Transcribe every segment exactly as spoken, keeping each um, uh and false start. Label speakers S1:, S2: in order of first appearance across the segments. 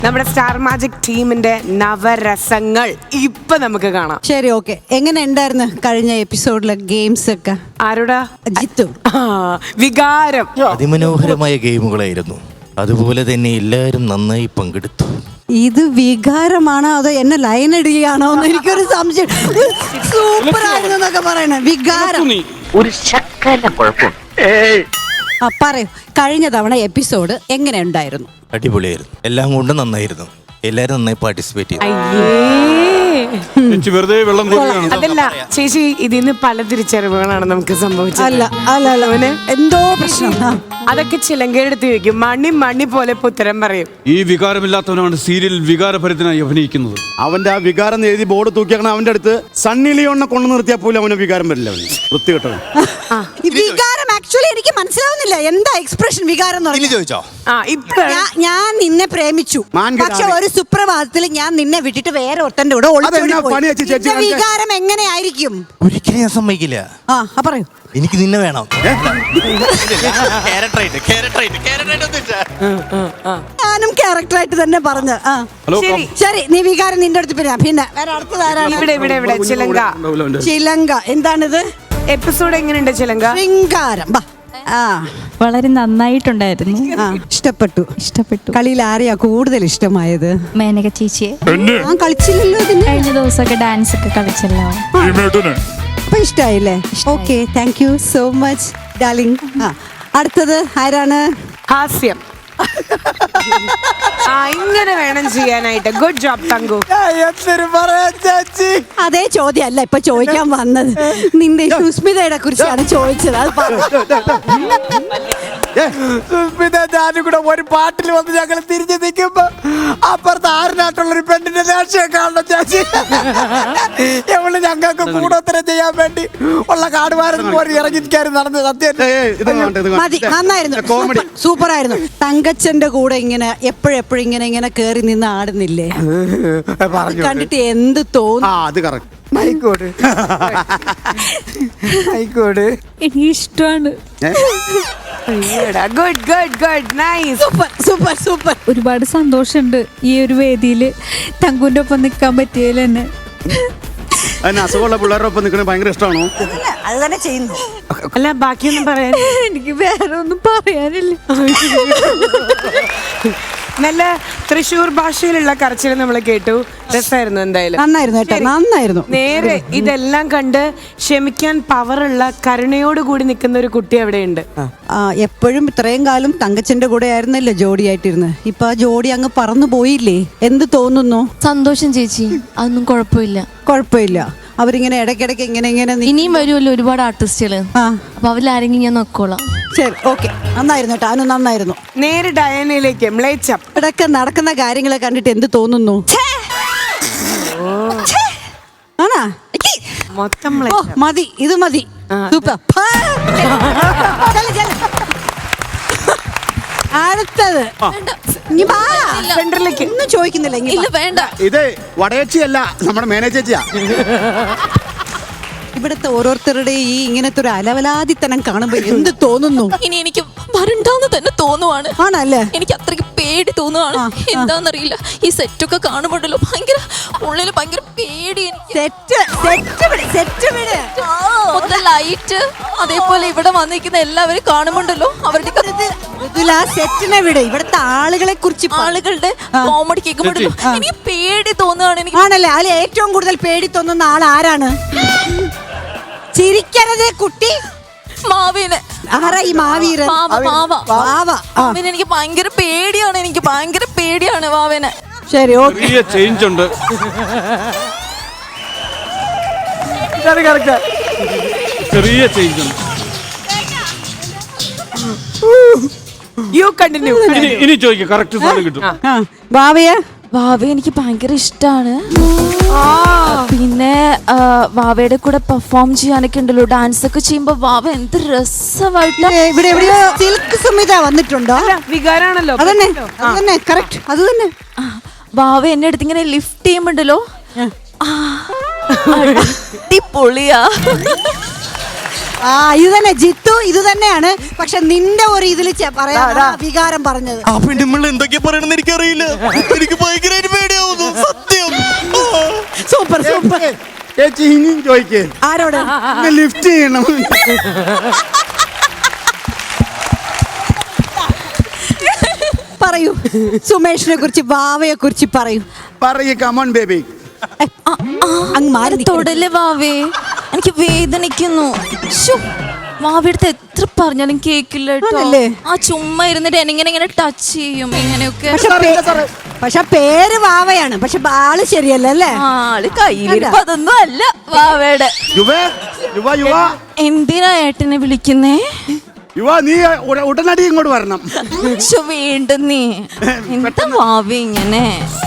S1: നമ്മുടെ star magic ടീമിന്റെ നവരസങ്ങൾ ഇപ്പൊ നമുക്ക് കാണാം.
S2: ശരി, ഓക്കെ. എങ്ങനെ ഉണ്ടായിരുന്നു കഴിഞ്ഞ എപ്പിസോഡിലെ ഗെയിംസ് ഒക്കെ?
S1: ആരോടാ?
S2: ജിത്തു.
S1: വികാരം.
S3: അതിമനോഹരമായ ഗെയിമുകളായിരുന്നു. അതുപോലെ തന്നെ എല്ലാവരും നന്നായി പങ്കെടുത്തു.
S2: ഇത് വികാരമാണോ അതോ എന്നെ ലൈൻ ഇടുകയാണോ എന്ന് എനിക്കൊരു സംശയം. സൂപ്പർ ആയിരുന്നു എന്നൊക്കെ പറയണേ. വികാരം
S4: ഒരു ശക്കല കുഴപ്പം.
S2: ആ പറയൂ, കഴിഞ്ഞ തവണ എപ്പിസോഡ് എങ്ങനെ ഉണ്ടായിരുന്നു?
S3: അടിപൊളിയായിരുന്നു. എല്ലാം കൊണ്ടും നന്നായിരുന്നു. എല്ലാരും നന്നായി പാർട്ടിസിപ്പേറ്റ് ചെയ്തു.
S5: വെറുതെ വെള്ളം
S1: അതല്ല ചേച്ചി, ഇതിന്ന് പല തിരിച്ചറിവുകളാണ് നമുക്ക് സംഭവിച്ചത്.
S2: അല്ല അല്ല അല്ല അവന് എന്തോ പ്രശ്നം.
S1: അതൊക്കെ ചിലങ്കയെടുത്ത് ചോദിക്കും. മണി മണി പോലെ ഉത്തരം പറയും.
S5: ഈ വികാരമില്ലാത്തവനാണ് സീരിയൽ വികാരഭരിതനായി അഭിനയിക്കുന്നത്.
S6: അവന്റെ ആ വികാരം എഴുതി ബോർഡ് തൂക്കിയാക്കണം. അവന്റെ അടുത്ത് സണ്ണി ലിയോണിനെ കൊണ്ടു നിർത്തിയാൽ പോലും അവന് വികാരം വരില്ല. അവന് വൃത്തികെട്ടവൻ.
S2: വികാരം ആക്ച്വലി എനിക്ക് മനസ്സിലാവുന്നില്ല. എന്താ എക്സ്പ്രഷൻ വികാരം എന്ന് പറഞ്ഞാൽ?
S3: ചോദിച്ചോ?
S1: ആ ഇപ്പൊ
S2: ഞാ- ഞാൻ നിന്നെ പ്രേമിച്ചു,
S6: മാൻകിടാവേ.
S2: പക്ഷെ ഒരു സുപ്രഭാതത്തിൽ ഞാൻ നിന്നെ വിട്ടിട്ട് വേറെ ഒട്ടന്റെ കൂടെ ഒളിച്ചോടി
S6: അതെന്നാ
S2: പോയി.
S6: പണി വെച്ച് ചേച്ചി
S2: നിന്റെ
S6: കാണിച്ചേ?
S2: വികാരം എങ്ങനെയായിരിക്കും?
S3: ഒരിക്കലും ഞാൻ സമ്മതിക്കില്ല.
S2: ആ ആ, പറയൂ.
S3: എനിക്ക് നിന്നെ വേണം.
S2: ഞാനും ക്യാരക്ടറായിട്ട് തന്നെ പറഞ്ഞു. ആ
S5: ഹലോ,
S1: ശരി
S2: ശരി, നീ വികാരം നിന്റെ അടുത്ത് പിന്നെ പിന്നെ വേറെ അടുത്തതാരാണ്?
S1: ഇവിടെ ഇവിടെ ഇവിടെ ചിലങ്ക.
S2: ചിലങ്ക. എന്താണിത്?
S1: എപ്പിസോഡ് എങ്ങനെയുണ്ട് ചിലങ്ക?
S2: ശൃംഗാരം. ബാ. ആ
S7: വളരെ നന്നായിട്ടുണ്ടായിരുന്നു.
S2: ആ, ഇഷ്ടപ്പെട്ടു.
S7: ഇഷ്ടപ്പെട്ടു.
S2: കളിയിൽ ആരെയാ കൂടുതൽ ഇഷ്ടമായത്?
S7: മേനക ചേച്ചിയെ
S2: ഞാൻ കളിച്ചില്ലല്ലോ ഇതിന്.
S7: കഴിഞ്ഞ ദിവസമൊക്കെ ഡാൻസ് ഒക്കെ കളിച്ചല്ലോ.
S2: അപ്പൊ ഇഷ്ടായില്ലേ? Okay, thank you so much darling. ആ അടുത്തത് ആരാണ്?
S1: ഹാസ്യം. ആ ഇങ്ങനെ വേണം ചെയ്യാനായിട്ട്. Good job thank you.
S2: അതേ ചോദ്യം അല്ല ഇപ്പൊ ചോദിക്കാൻ വന്നത്. നിന്റെ സുസ്മിതയുടെ കുറിച്ചാണ് ചോദിച്ചത്. അത് പറ.
S8: സുസ്മിത ഞാനും കൂടെ ഒരു പാട്ടിൽ വന്ന് ഞങ്ങൾ തിരിഞ്ഞു നിൽക്കുമ്പോ അപ്പുറത്ത് ആറിനാട്ടുള്ള ഒരു പെണ്ണിന്റെ രാഷ്ട്രീയം കാണണം ചേച്ചി. എവള് ഞങ്ങൾക്ക് കൂടോത്തരം ചെയ്യാൻ വേണ്ടി ഉള്ള കാടുവാരം പോലെ ഇറങ്ങിക്കാരും നടന്ന് സത്യം.
S2: മതി, നന്നായിരുന്നു.
S6: കോമഡി
S2: സൂപ്പർ ആയിരുന്നു. തങ്കച്ചന്റെ കൂടെ ഇങ്ങനെ എപ്പോഴെപ്പോഴും ഇങ്ങനെ ഇങ്ങനെ കേറി നിന്ന് ആടുന്നില്ലേ? കണ്ടിട്ട് എന്ത്
S6: ആ
S2: തോന്നുന്നു?
S6: അത് കറക്റ്റ്.
S8: ആയിക്കോട് ആയിക്കോട്
S7: എനിക്ക് ഇഷ്ടമാണ്.
S1: Good good good nice.
S2: Super super super.
S7: ഒരുപാട് സന്തോഷമുണ്ട് ഈ ഒരു വേദിയിൽ തങ്കുവിന്റെ ഒപ്പം നിൽക്കാൻ പറ്റിയതിൽ തന്നെ.
S6: അതിന് അസുഖമുള്ള പിള്ളേരുടെ ഒപ്പം നിൽക്കണേ ഭയങ്കര ഇഷ്ടമാണോ?
S2: അത് തന്നെ ചെയ്യുന്നു.
S1: അല്ല ബാക്കിയൊന്നും പറയാൻ
S7: എനിക്ക് വേറെ ഒന്നും പറയാനില്ല.
S1: നല്ല തൃശ്ശൂർ ഭാഷയിലുള്ള കരച്ചിൽ നമ്മൾ കേട്ടു. രസമായിരുന്നു. എന്തായാലും
S2: നന്നായിരുന്നു കേട്ടോ, നന്നായിരുന്നു.
S1: നേരെ ഇതെല്ലാം കണ്ട് ക്ഷമിക്കാൻ പവറുള്ള കരുണയോട് കൂടി നിൽക്കുന്ന ഒരു കുട്ടി അവിടെയുണ്ട്.
S2: ആ എപ്പോഴും ഇത്രയും കാലം തങ്കച്ചന്റെ കൂടെ ആയിരുന്നല്ലോ ജോഡിയായിട്ടിരുന്ന്. ഇപ്പൊ ആ ജോഡി അങ്ങ് പറന്നു പോയില്ലേ? എന്ത് തോന്നുന്നു?
S9: സന്തോഷം ചേച്ചി, അതൊന്നും കുഴപ്പമില്ല.
S2: കുഴപ്പമില്ല. അവരിങ്ങനെ ഇടയ്ക്കിടയ്ക്ക് ഇങ്ങനെ ഇങ്ങനെ നി-
S9: ഇനിയും വരുമല്ലോ ഒരുപാട് ആർട്ടിസ്റ്റുകള്.
S2: ആ
S9: അപ്പൊ അവരിലാരെങ്കിലും ഞാൻ നോക്കോളാം.
S2: ശരി, ഓക്കെ. നന്നായിരുന്നു കേട്ടോ, അനു നന്നായിരുന്നു.
S1: നേരെ ഡയനയിലേക്ക് മ്ലേച്ഛം.
S2: ഇടയ്ക്ക് നടക്കുന്ന കാര്യങ്ങളെ കണ്ടിട്ട് എന്ത് തോന്നുന്നു? ആണാ?
S1: മൊത്തം
S2: ഓ
S1: മ്ലേച്ഛം.
S2: മതി, ഇത് മതി. സൂപ്പർ. ചെല്ല്, ചെല്ല്. അടുത്തത് ഇനി വാ.
S1: സെന്ററിലേക്ക്.
S2: ഒന്നും ചോദിക്കുന്നില്ല. ഇങ്ങ്
S9: ഇല്ല
S2: വാ.
S9: വേണ്ട.
S6: ഇത് വടയച്ചിയല്ല, നമ്മുടെ മാനേജേച്ചിയാ.
S2: ഇവിടുത്തെ ഓരോരുത്തരുടെ ഈ ഇങ്ങനത്തെ ഒരു അലവലാതിത്തനം കാണുമ്പോ എന്ത് തോന്നുന്നു?
S9: ഇനി എനിക്ക് വരണ്ടാന്ന് തന്നെ തോന്നുവാണ്.
S2: ആണല്ലേ?
S9: എനിക്ക് അത്രയ്ക്ക് പേടി തോന്നുവാണ്.
S2: ആ, ആ.
S9: എന്താന്നറിയില്ല, ഈ സെറ്റൊക്കെ കാണുമ്പോഴല്ലോ ഭയങ്കര ഉള്ളില് ഭയങ്കര പേടി എനിക്ക്.
S2: സെറ്റ് സെറ്റ് വിട്, സെറ്റ് വിട്.
S9: മൊത്തം ലൈറ്റ് അതേപോലെ ഇവിടെ വന്നിരിക്കുന്ന എല്ലാവരും കാണുമ്പോണ്ടല്ലോ അവരുടെ
S2: മൃദുല, സെറ്റിനെ വിട്. ഇവിടുത്തെ ആളുകളെ കുറിച്ച് പറ.
S9: ആളുകളുടെ കോമഡി കേൾക്കുമ്പോഴല്ലോ എനിക്ക് പേടി തോന്നുവാണ്. എനിക്ക്
S2: ആണല്ലേ? അതിൽ ഏറ്റവും കൂടുതൽ പേടി തോന്നുന്ന ആൾ ആരാണ്? ചിരിക്കരുതേ കുട്ടി.
S9: മാവിനെ.
S2: ആരാ ഈ മാവീരൻ?
S9: മാവ മാവ
S2: മാവ. ആ,
S9: മാവിനെ എനിക്ക് ഭയങ്കര പേടിയാണ്. എനിക്ക് ഭയങ്കര പേടിയാണ് മാവിനെ.
S2: ശരി, ഓക്കെ.
S5: ചെറിയ ചേഞ്ച് ഉണ്ട്. ചെറിയ ചേഞ്ച് ഉണ്ട്.
S1: You continue.
S5: ഇനി ഇനി ചോദിക്കാം, കറക്റ്റ് സാധനം കിട്ടും.
S2: ആ, ഭാവിയെ
S9: വാവ എനിക്ക് ഭയങ്കര ഇഷ്ടമാണ്. പിന്നെ ആ, വാവയുടെ കൂടെ പെർഫോം ചെയ്യാനൊക്കെ ഉണ്ടല്ലോ, ഡാൻസ് ഒക്കെ ചെയ്യുമ്പോ വാവ എന്ത് രസമായിട്ട്.
S2: ഏ, ഇവിടെ എവിടെയോ സിൽക്ക് സുമിത വന്നിട്ടുണ്ടോ?
S1: വികാരാണല്ലോ.
S2: അതന്നെ, അതന്നെ കറക്റ്റ്, അത് തന്നെ.
S9: വാവ എന്നെ അടുത്ത് ഇങ്ങനെ ലിഫ്റ്റ് ചെയ്യുമ്പോണ്ടല്ലോ, അടിപൊളിയാ.
S2: ആ ഇത് തന്നെ ജിത്തു ഇത് തന്നെയാണ്. പക്ഷെ നിന്റെ ഒരു ഇതിൽ പറയാ വികാരം പറഞ്ഞത്.
S3: ആ പെണ്ണുമ്പോൾ എന്തൊക്കെയാ പറയണെന്ന് എനിക്കറിയില്ല. എനിക്ക് ഭയങ്കരമായിട്ട് പേടിയാവുന്നു സത്യം.
S2: Super super.
S6: ചേച്ചി ഇനിയും ചോദിക്കേ
S2: ആരോട്
S6: ലിഫ്റ്റ് ചെയ്യണം.
S2: പറയൂ സുമേഷിനെ കുറിച്ച് വാവയെ കുറിച്ച് പറയൂ.
S6: പറയേ കമോൺ ബേബി.
S2: അങ്ങ് മാറി നിൽക്ക്.
S9: തൊടല് വാവേ, എനിക്ക് വേദനിക്കുന്നു. ശ്ശോ, വാവയുടെ എത്ര പറഞ്ഞാലും കേക്കില്ല കേട്ടോ.
S2: ആണല്ലേ?
S9: ആ ചുമ്മാ ഇരുന്നിട്ട് എനിങ്ങനെ ഇങ്ങനെ ടച്ച് ചെയ്യും ഇങ്ങനെയൊക്കെ.
S2: പക്ഷെ പേ- പക്ഷെ പേര് വാവയാണ്, പക്ഷെ ആള് ശരിയല്ല അല്ലേ?
S9: ആള് കയ്യിലിരിപ്പ് അതൊന്നും അല്ല വാവയുടെ.
S6: യുവ യുവ യുവ
S9: എന്തിനാ ഏട്ടനെ വിളിക്കുന്നേ?
S6: യുവ നീ ഉട- ഉടനടി ഇങ്ങോട്ട് വരണം.
S9: ശ്ശോ, വീണ്ടും നീ എന്താ വാവ ഇങ്ങനെ?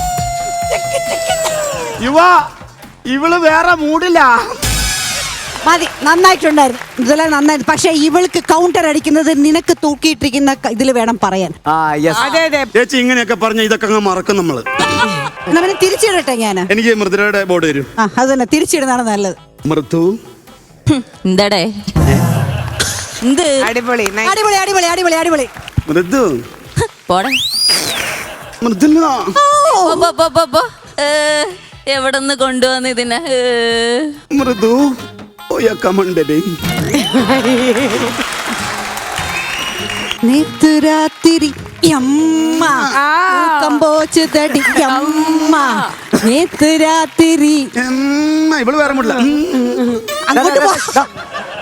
S6: യുവ ഇവള് വേറെ മൂടില്ല.
S2: മതി, നന്നായിട്ടുണ്ടായിരുന്നു ഇതെല്ലാം നന്നായിരുന്നു. പക്ഷെ ഇവൾക്ക് കൗണ്ടർ അടിക്കുന്നത് നിനക്ക് തൂക്കിയിട്ടിരിക്കുന്ന ഇതിൽ വേണം പറയാൻ.
S8: ആ യെസ്.
S1: അതെ അതെ.
S6: ചേച്ചി ഇങ്ങനെയൊക്കെ പറഞ്ഞ ഇതൊക്കെ അങ്ങ് മറക്കും നമ്മള്.
S2: എന്നാ പിന്നെ തിരിച്ചിടട്ടെ ഞാൻ.
S6: എനിക്ക് മൃദുലയുടെ ബോർഡ് തരും.
S2: ആ അത് തന്നെ തിരിച്ചിടുന്നതാണ് നല്ലത്.
S6: മൃദു
S9: എന്താടേ എന്ത്
S1: അടിപൊളി. nice.
S2: അടിപൊളി അടിപൊളി അടിപൊളി അടിപൊളി.
S6: മൃദു
S9: പോടെ
S6: മൃദുല
S9: പോ, പോ, പോ, പോ, പോ. ഏ, എവിടുന്ന് കൊണ്ടുവന്ന് ഇതിനെ? ഏ.
S6: മൃദു ഓയ കമൺ ബേബി.
S2: നേത്തുരാത്തിരി യമ്മ കമ്പോച്ച് തടി യമ്മ നേത്തുരാത്തിരി.
S6: ഇവള് വേറെ മൂടില്ല.
S2: അങ്ങോട്ട് പോ.